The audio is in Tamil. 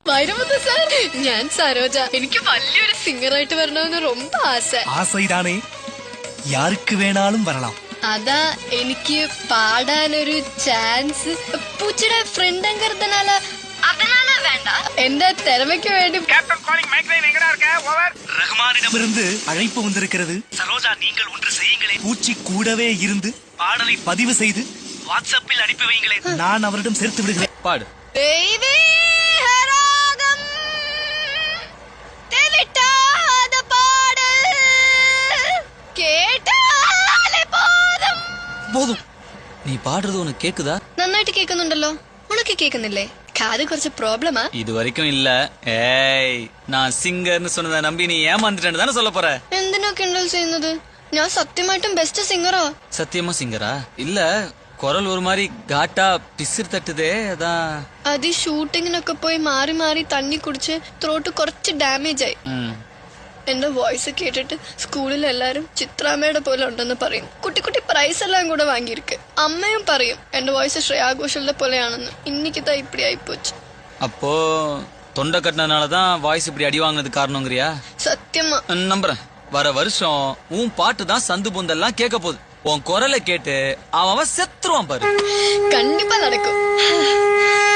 വൈരമുത്ത് സാർ, ഞാൻ സരോജ. എനിക്ക് വലിയൊരു സിംഗറായിട്ട് വരണമെന്ന് ரொம்ப ആസை. ആസைதானே, யாருக்கு வேணாலும் வரலாம். അതാ എനിക്ക് പാടാനൊരു ചാൻസ് പൂച്ചയുടെ ഫ്രണ്ട് എങ്കறதனால அதனால வேண்டாம். എന്റെ திறமைக்கு வேண்டி. கேப்டன் காலிங் மைக்லைன் எங்கடா இருக்க? ஓவர். ரஹ்மானிடமிருந்து அழைப்பு வந்திருக்கிறது. சரோஜா, நீங்கள் ஒன்று செய்யுங்களேன். பூச்சி கூடவே இருந்து பாடலை பதிவு செய்து வாட்ஸ்அப்பில் அனுப்பி வையுங்களேன். நான் அவரிடம் சேர்த்து விடுகிறேன். பாடு. போதும். நீ பாடுறது உனக்கு கேக்குதா? നന്നായിട്ട് കേൾക്കുന്നുണ്ടല്ലോ. ഉനക്ക് കേൾക്കുന്നില്ലേ? കാത് കുറച്ച് പ്രോബ്ലമാ. இது வரைக்கும் இல்ல. ஏய், நான் சிங்கர்னு சொன்னதை நம்பி நீ ஏமாந்துட்டேன்னு தானே சொல்ல போற? എന്തിനാ കിണ്ടൽ ചെയ്യുന്നത്? ഞാൻ സത്യമായിട്ടും ബെസ്റ്റ് സിംഗറാ. சத்தியமா சிங்கரா? இல்ல, குரல் ஒரு மாதிரி காட்டா பிசிறு தட்டுதே, அதான். അത് ഷൂട്ടിങ്ങിനൊക്കെ പോയി മാറി മാറി തണ്ണി കുടിച്ച് ത്രോട്ട് കുറച്ച് ഡാമേജ് ആയി. എന്റെ വോയിസ് കേട്ടിട്ട് സ്കൂളിൽ എല്ലാരും ചിത്രാമ്മയുടെ പോലെ ഉണ്ടെന്ന് പറയും. കുട്ടി കുട്ടി പ്രൈസ് എല്ലാം കൂടെ വാങ്ങിയിരിക്ക്. അമ്മയും പറയും എന്റെ വോയിസ് ശ്രേയാ ഘോഷലിന്റെ പോലെയാണെന്ന്. இன்னைக்குதா இப்படி ஆயிப்போச்சு. அப்போ தொண்டை கட்டினதுனாலதான் வாய்ஸ் இப்படி அடி வாங்கினது காரணங்கிறியா? சத்தியமா நம்புறேன். வர வருஷம் உன் பாட்டு தான் சந்து பொந்தெல்லாம் கேட்க போகுது. உன் குரலை கேட்டு அவன் செத்துருவான் பாரு. கண்டிப்பா நடக்கும்.